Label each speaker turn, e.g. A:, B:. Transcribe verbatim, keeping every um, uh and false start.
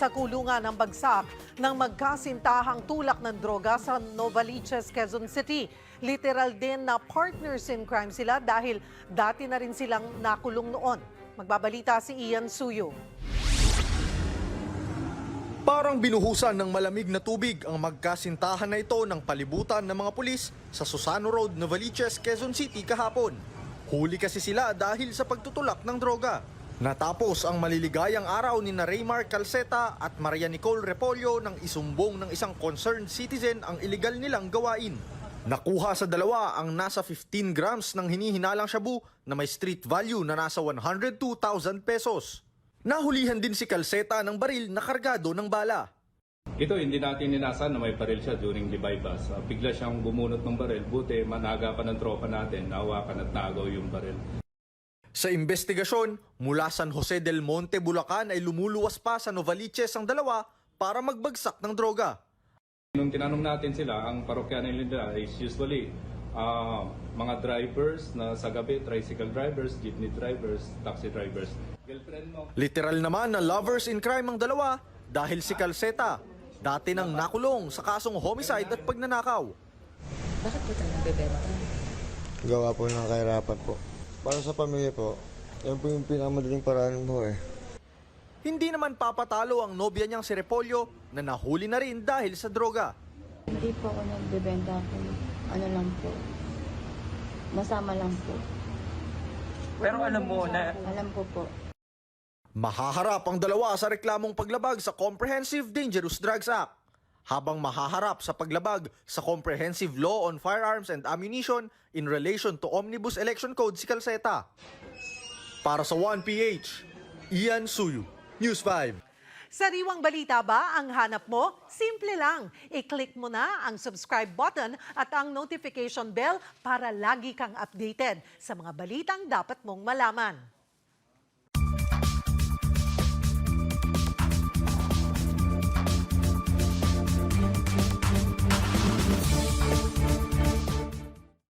A: sa kulungan ng bagsak ng magkasintahang tulak ng droga sa Novaliches, Quezon City. Literal din na partners in crime sila dahil dati na rin silang nakulong noon. Magbabalita si Ian Suyo.
B: Parang binuhusan ng malamig na tubig ang magkasintahan na ito ng palibutan ng mga pulis sa Susano Road, Novaliches, Quezon City kahapon. Huli kasi sila dahil sa pagtutulak ng droga. Natapos ang maliligayang araw ni Raymar Calceta at Maria Nicole Repolyo nang isumbong ng isang concerned citizen ang iligal nilang gawain. Nakuha sa dalawa ang nasa fifteen grams ng hinihinalang shabu na may street value na nasa one hundred two thousand pesos. Nahulihan din si Calceta ng baril na kargado ng bala.
C: Ito hindi natin inasahan na may baril siya during the bypass. Uh, bigla siyang bumunot ng baril. Buti managa pa ng tropa natin, nahawakan at nagaw yung baril.
B: Sa investigasyon, mula San Jose del Monte, Bulacan ay lumuluwas pa sa Novaliches ang dalawa para magbagsak ng droga.
C: Nung tinanong natin sila, ang parokyanan nila is usually uh, mga drivers na sa gabi, tricycle drivers, jeepney drivers, taxi drivers. Girlfriend mo.
B: Literal naman na lovers in crime ang dalawa dahil si Calceta dati nang nakulong sa kasong homicide at pagnanakaw.
D: Bakit po tayo nagbebenta?
E: Gawa po ng kahirapan po. Para sa pamilya po, yan po yung pinakamadaling paraan mo eh.
B: Hindi naman papatalo ang nobya niyang si Repolyo na nahuli na rin dahil sa droga.
D: Hindi po ako nagbebenta po. Ano lang po. Masama lang po.
F: Pero alam mo na...
D: Alam po po.
B: Mahaharap ang dalawa sa reklamong paglabag sa Comprehensive Dangerous Drugs Act, habang mahaharap sa paglabag sa Comprehensive Law on Firearms and Ammunition in relation to Omnibus Election Code si Calceta. Para sa one P H, Ian Suyu, News five.
A: Sariwang balita ba ang hanap mo? Simple lang. I-click mo na ang subscribe button at ang notification bell para lagi kang updated sa mga balitang dapat mong malaman.